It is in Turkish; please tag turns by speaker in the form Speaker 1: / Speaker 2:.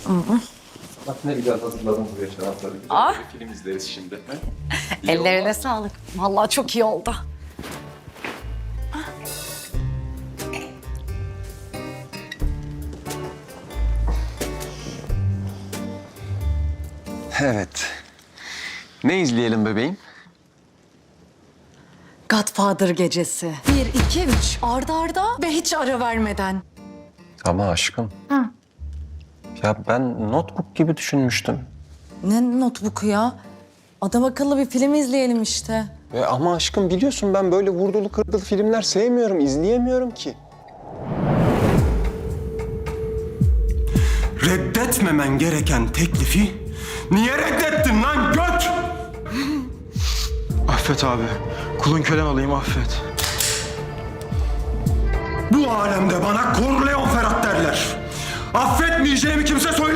Speaker 1: Bak ne güzel hazırladım buraya şarapları. Güzel
Speaker 2: Ah.
Speaker 1: bir film izleriz şimdi. He? İyi
Speaker 2: Ellerine
Speaker 1: olmaz.
Speaker 2: sağlık. Vallahi çok iyi oldu.
Speaker 3: Evet. Ne izleyelim bebeğim?
Speaker 2: Godfather gecesi. 1, 2, 3. Arda arda ve hiç ara vermeden.
Speaker 3: Ama aşkım.
Speaker 2: Hı.
Speaker 3: Ya ben notebook gibi düşünmüştüm.
Speaker 2: Ne notebook'u ya? Adam akıllı bir film izleyelim işte.
Speaker 3: Ama aşkım biliyorsun ben böyle vurdulu kırdılı filmler sevmiyorum, izleyemiyorum ki.
Speaker 4: Reddetmemen gereken teklifi niye reddettin lan göt?
Speaker 5: Affet abi. Kulun kölen olayım affet.
Speaker 4: Bu alemde bana Corleone Ferhat derler. Affetmeyeceğimi kimse söyleyemez.